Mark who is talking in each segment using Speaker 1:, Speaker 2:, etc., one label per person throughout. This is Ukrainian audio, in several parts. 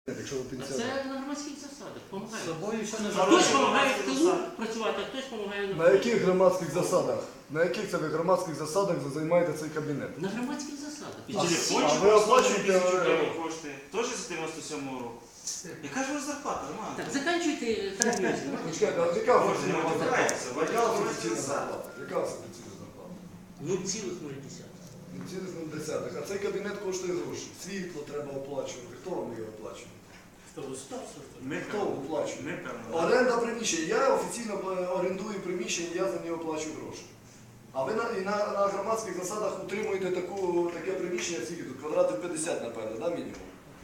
Speaker 1: Якщо ви пенсіонер.
Speaker 2: Це на громадських засадах. Помагає.
Speaker 3: Хтось
Speaker 2: Хтось допомагає в тилу працювати, а хтось допомагає
Speaker 1: На яких громадських засадах? На яких це ви громадських засадах займаєте цей кабінет?
Speaker 2: на громадських засадах.
Speaker 1: А ви оплачуєте
Speaker 3: кошти? Теж з 97-го року. Яка ж у вас зарплата, Роман?
Speaker 2: Так, заканчуйте термін.
Speaker 1: Чекайте, а яка
Speaker 3: Може, не
Speaker 1: офіційна
Speaker 3: витирається,
Speaker 1: зарплата? Яка офіційна зарплата? Яка офіційна зарплата?
Speaker 2: 0,0.
Speaker 1: 0,0. А цей кабінет коштує гроші. Світло треба оплачувати. Хто вам його оплачує? Хто оплачує?
Speaker 3: Ми, певно.
Speaker 1: Оренда приміщення. Я офіційно орендую приміщення, я за нього плачу гроші. А ви на громадських засадах утримуєте таке приміщення, скільки тут? Квадратів 50, напевно, да, мінімум?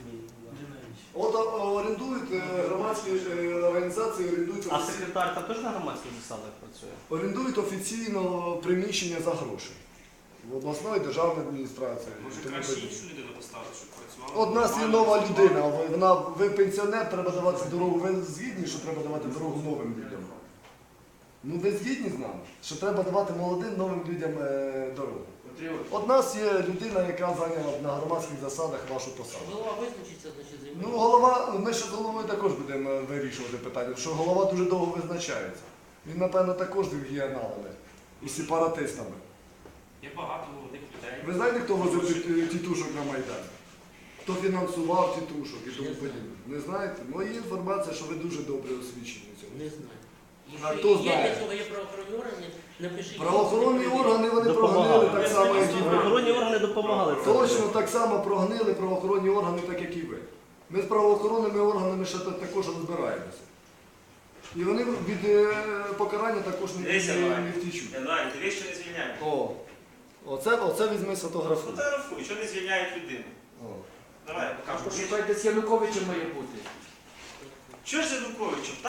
Speaker 1: От орендують громадські організації, орендують
Speaker 4: А секретар там теж на громадських засадах працює?
Speaker 1: орендують офіційно приміщення за гроші. В обласної державної адміністрації.
Speaker 3: Може, краще іншу людину поставити, щоб працювала?
Speaker 1: От у нас є нова людина, ви пенсіонер, треба давати дорогу. Ви згідні, що треба давати дорогу новим людям? Ну ви згідні з нами, що треба давати молодим новим людям дорогу? От у нас є людина, яка зайняла на громадських засадах вашу посаду.
Speaker 2: Голова визначиться, значить займає.
Speaker 1: Ну, голова, ми ще з головою також будемо вирішувати питання, що голова дуже довго визначається. Він, напевно, також з регіоналами і сепаратистами.
Speaker 3: Є багато молодих людей.
Speaker 1: Ви знаєте, хто возив тітушок на Майдан? Хто фінансував тітушок і тому подібне? Не знаєте? Моя інформація, що ви дуже добре освічені в цьому.
Speaker 2: Не знаю.
Speaker 1: А
Speaker 2: Якщо
Speaker 1: хто
Speaker 2: є
Speaker 1: знає?
Speaker 2: для цього є правоохоронні органи, напишіть.
Speaker 1: Правоохоронні органи, вони
Speaker 4: Допомагали.
Speaker 1: прогнили так само, як і ви.
Speaker 4: Правоохоронні органи допомагали.
Speaker 1: Точно так само прогнили правоохоронні органи, так як і ви. Ми з правоохоронними органами ще також розбираємося. І вони від покарання також не втічуть.
Speaker 3: Януарі, ти що не звільняють?
Speaker 1: Оце візьми сфотографуй.
Speaker 3: Фотографуй, що не звільняють людину?
Speaker 1: О.
Speaker 3: Давай, покажу.
Speaker 5: Шукайте з Януковичем має бути.
Speaker 3: Що ж з Януковичем?